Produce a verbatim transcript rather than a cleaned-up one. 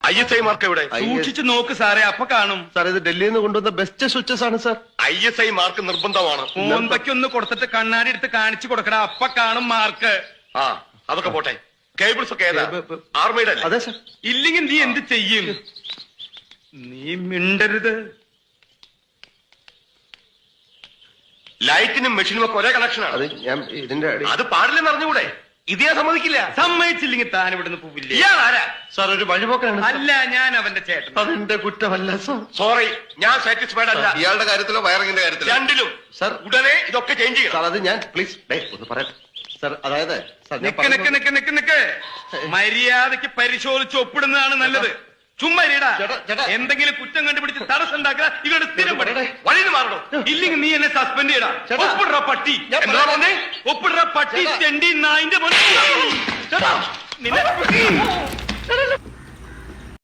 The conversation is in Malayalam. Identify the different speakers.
Speaker 1: ഐ എസ് ഐ മാർക്ക് എവിടെ?
Speaker 2: സൂക്ഷിച്ചു നോക്ക് സാറേ, അപ്പൊ കാണും.
Speaker 3: സാർ ഇത് ഡൽഹിയിൽ നിന്ന് കൊണ്ടുവന്ന ബെസ്റ്റ് സ്വിച്ചസ് ആണ് sir.
Speaker 1: I S I mark നിർബന്ധമാണ്.
Speaker 2: മോന്തയ്ക്ക് ഒന്ന് കൊടുത്തിട്ട് കണ്ണാടി എടുത്ത് കാണിച്ചു കൊടുക്കടാ, അപ്പൊ കാണും മാർക്ക്.
Speaker 1: ആ അതൊക്കെ പോട്ടെ. കേബിൾസ് ഒക്കെ ഏതാ? ആർമിയുടെ അല്ലേ?
Speaker 3: അതെ സാർ.
Speaker 2: ഇല്ലെങ്കിൽ നീ എന്ത് ചെയ്യും? നീ മിണ്ടരുത്.
Speaker 1: ലൈറ്റിനും മെഷീനും ഒക്കെ ഒരേ കണക്ഷനാണ്.
Speaker 3: അത് ഞാൻ ഇതിന്റെ
Speaker 1: അത് പാടില്ലെന്ന് അറിഞ്ഞുകൂടെ? ഇത് ഞാൻ സമ്മതിക്കില്ല.
Speaker 2: സമ്മതിച്ചില്ലെങ്കിൽ താൻ ഇവിടുന്ന് പോവില്ല.
Speaker 1: ഇയാൾ ആരാ?
Speaker 3: സാർ ഒരു വഴിപോക്കാണ്.
Speaker 2: അല്ല, ഞാൻ അവന്റെ ചേട്ടൻ.
Speaker 3: അതെന്റെ കുറ്റമല്ല സാർ.
Speaker 1: സോറി, ഞാൻ സാറ്റിസ്ഫൈഡ് അല്ല.
Speaker 4: ഇയാളുടെ കാര്യത്തിലോ വയറിങ്ങിന്റെ കാര്യത്തിലോ?
Speaker 1: രണ്ടിലും.
Speaker 3: സാർ
Speaker 1: ഉടനെ ഇതൊക്കെ ചേഞ്ച് ചെയ്യണം.
Speaker 3: സാർ അത് ഞാൻ പ്ലീസ് ഒന്ന് പറയാം സാർ. അതായത് സാർ ഞാൻ
Speaker 2: നിക്ക് നിക്ക് നിക്ക് നിക്ക് നിക്ക് മര്യാദക്ക് പരിശോധിച്ച് ഒപ്പിടുന്നതാണ് നല്ലത്. ചുമ്മാ ഇരിടാ.
Speaker 3: ചേട്ടാ, ചേട്ടാ.
Speaker 2: എന്തെങ്കിലും കുറ്റം കണ്ടുപിടിച്ച് തടസ്സം ഉണ്ടാക്കുക ഇവരുടെ സ്ഥിരം പണി.
Speaker 1: വഴിന്ന് മാറണം.
Speaker 2: ഇല്ലെങ്കിൽ നീ എന്നെ സസ്പെൻഡ് ചെയ്യടാ.
Speaker 3: ചേട്ടാ.
Speaker 2: ഒപ്പിടുற പട്ടി.
Speaker 3: ഞാൻ
Speaker 1: എന്താ പറഞ്ഞേ?
Speaker 2: ഒപ്പിടുற പട്ടി
Speaker 3: ചേട്ടാ.
Speaker 2: ചെണ്ടി നായിന്റെ മോനെ.
Speaker 3: ചേട്ടാ
Speaker 2: നിന്നെ